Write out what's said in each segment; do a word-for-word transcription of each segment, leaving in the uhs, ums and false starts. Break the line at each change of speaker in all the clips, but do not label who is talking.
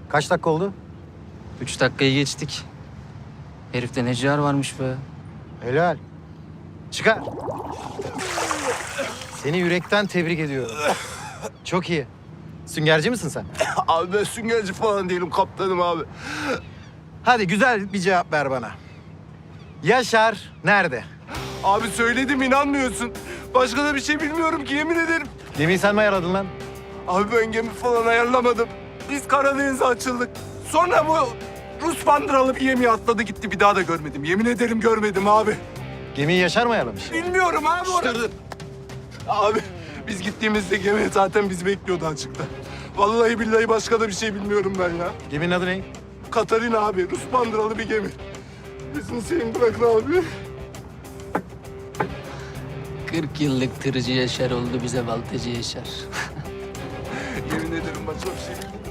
Kaç dakika oldu?
Üç dakikayı geçtik. Herifte ne ciğer varmış be.
Helal. Çıkar. Seni yürekten tebrik ediyorum. Çok iyi. Süngerci misin sen?
Abi ben süngerci falan değilim, kaptanım abi.
Hadi güzel bir cevap ver bana. Yaşar nerede?
Abi söyledim, inanmıyorsun. Başka da bir şey bilmiyorum ki, yemin ederim.
Gemiyi sen mi ayarladın lan?
Abi ben gemi falan ayarlamadım. Biz Karadeniz'e açıldık. Sonra bu Rus bandıralı bir gemiye atladı gitti. Bir daha da görmedim. Yemin ederim görmedim abi.
Gemiyi Yaşar mı ayarlamış?
Bilmiyorum abi orada. Abi biz gittiğimizde gemi zaten bizi bekliyordu açıkta. Vallahi billahi başka da bir şey bilmiyorum ben ya.
Geminin adı ne?
Katarina abi, Rus bandıralı bir gemi. Bizim senin bırakın abi.
kırk yıllık tırcı Yaşar oldu bize baltacı Yaşar.
Yemin ederim başka bir şey bilmiyorum.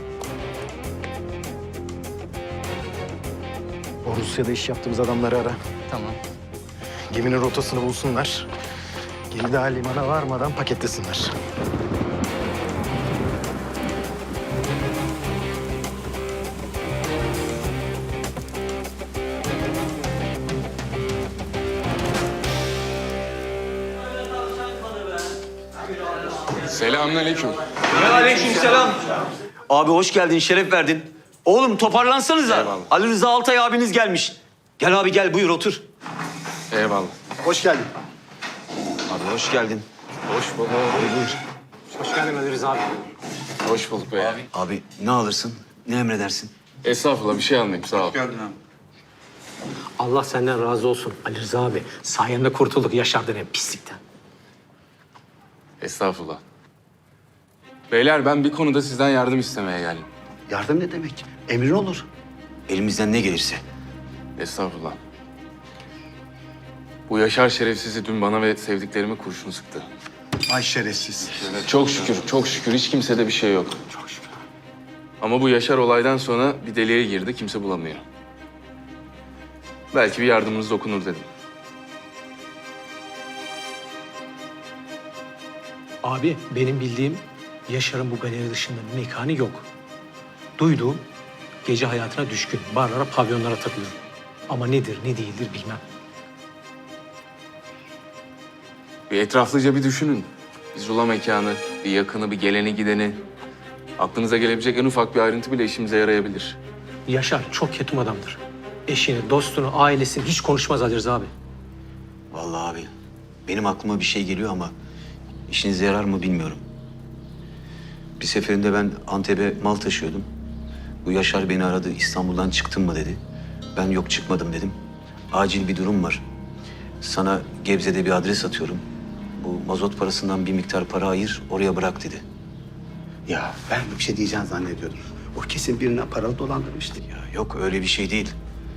O Rusya'da iş yaptığımız adamları ara.
Tamam.
Geminin rotasını bulsunlar. Gemi daha limana varmadan paketlesinler.
Selamünaleyküm.
Aleykümselam. Abi hoş geldin, şeref verdin. Oğlum toparlansanıza.
Eyvallah.
Ali Rıza Altay abiniz gelmiş. Gel abi gel, buyur otur.
Eyvallah.
Hoş geldin.
Abi hoş geldin.
Hoş bulduk.
Buyur.
Hoş bulduk be.
Abi ne alırsın, ne emredersin?
Estağfurullah, bir şey almayayım, sağ ol.
Allah senden razı olsun Ali Rıza abi. Sayende kurtulduk Yaşar denen pislikten.
Estağfurullah. Beyler, ben bir konuda sizden yardım istemeye geldim.
Yardım ne demek? Emrin olur. Elimizden ne gelirse.
Estağfurullah. Bu Yaşar şerefsizi dün bana ve sevdiklerime kurşun sıktı.
Ay şerefsiz.
Çok şükür, çok şükür. Hiç kimsede bir şey yok. Çok şükür. Ama bu Yaşar olaydan sonra bir deliğe girdi, kimse bulamıyor. Belki bir yardımınız dokunur dedim.
Abi benim bildiğim Yaşar'ın bu galeri dışında mekanı yok. Duyduğum gece hayatına düşkün. Barlara, pavyonlara takılıyor. Ama nedir, ne değildir bilmem.
Bir etraflıca bir düşünün. Bir zula mekanı, bir yakını, bir geleni gideni. Aklınıza gelebilecek en ufak bir ayrıntı bile işimize yarayabilir.
Yaşar çok ketum adamdır. Eşini, dostunu, ailesini hiç konuşmaz Ali Rıza abi.
Vallahi abi, benim aklıma bir şey geliyor ama işinize yarar mı bilmiyorum. Bir seferinde ben Antep'e mal taşıyordum. Bu Yaşar beni aradı, İstanbul'dan çıktın mı dedi. Ben yok çıkmadım dedim. Acil bir durum var. Sana Gebze'de bir adres atıyorum. Bu mazot parasından bir miktar para ayır, oraya bırak dedi.
Ya ben bir şey diyeceğini zannediyordum. O kesin birine paralı dolandırmıştı.
Ya yok öyle bir şey değil.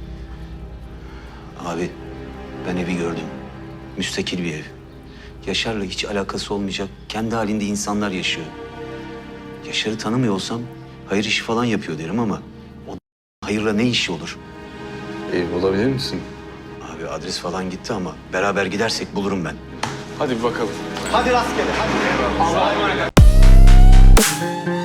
Abi ben evi gördüm. Müstakil bir ev. Yaşar'la hiç alakası olmayacak, kendi halinde insanlar yaşıyor. Yaşar'ı tanımıyor olsam hayır işi falan yapıyor derim ama o hayırla ne işi olur?
Ev bulabilir misin?
Abi adres falan gitti ama beraber gidersek bulurum ben.
Hadi bir bakalım.
Hadi rastgele hadi.